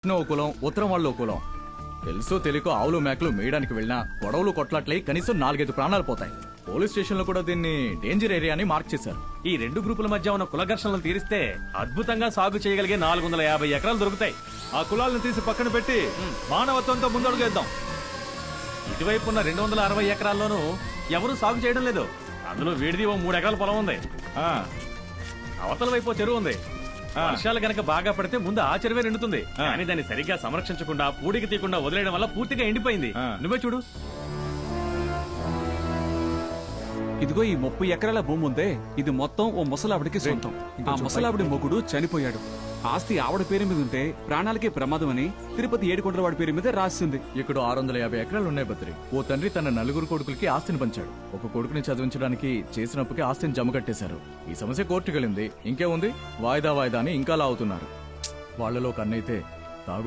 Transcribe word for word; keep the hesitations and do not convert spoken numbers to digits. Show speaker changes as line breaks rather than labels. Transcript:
ఓ కులం ఉత్తరం వాళ్ళు ఓ కులం. తెలుసో తెలియకో ఆవులు మేకలు మేయడానికి వెళ్ళినా గొడవలు కొట్లాట్లై కనీసం నాలుగైదు ప్రాణాలు పోతాయి. పోలీస్ స్టేషన్ లో కూడా దీన్ని డేంజర్ ఏరియా అని మార్క్ చేశారు.
ఈ రెండు గ్రూపుల మధ్య ఉన్న కుల ఘర్షణలు తీరిస్తే అద్భుతంగా సాగు చేయగలిగే నాలుగు వందల యాభై ఎకరాలు దొరుకుతాయి. ఆ కులాలను తీసి పక్కన పెట్టి మానవత్వంతో ముందడుగేద్దాం. ఇటువైపు ఉన్న రెండు వందల అరవై ఎకరాల్లోనూ ఎవరూ సాగు చేయడం లేదు. అందులో వీడిది ఓ మూడు ఎకరాల పొలం ఉంది. ఆ అవతల వైపు చెరువు ఉంది. వర్షాలు గనక బాగా పడితే ముందు ఆ చెరువే నిండుతుంది. కానీ దాన్ని సరిగ్గా సంరక్షించకుండా పూడికి తీయకుండా వదిలేయడం వల్ల పూర్తిగా ఎండిపోయింది. నువ్వే చూడు.
ఇదిగో ఈ ముప్పై ఎకరాల భూమి ఉందే, ఇది మొత్తం ఓ ముసలావిడికి సొంతం. ఆ ముసలావిడి మొగుడు చనిపోయాడు. ఆస్తి ఆవిడ పేరు మీద ఉంటే ప్రాణాలకే ప్రమాదం అని తిరుపతి ఏడుకొండల వాడి పేరు మీద రాసింది.
ఇక్కడ ఆరు వందల యాభై ఎకరాలు ఉన్నాయి బద్రి. ఓ తండ్రి తన నలుగురు కొడుకులకి ఆస్తిని పంచాడు. ఒక కొడుకుని చదివించడానికి చేసినప్పటికీ ఆస్తిని జమ కట్టేశారు. ఈ సమస్య కోర్టుకెళ్ళింది. ఇంకేముంది, వాయిదా వాయిదా అని ఇంకా లాగుతున్నారు. వాళ్లలో కన్నైతే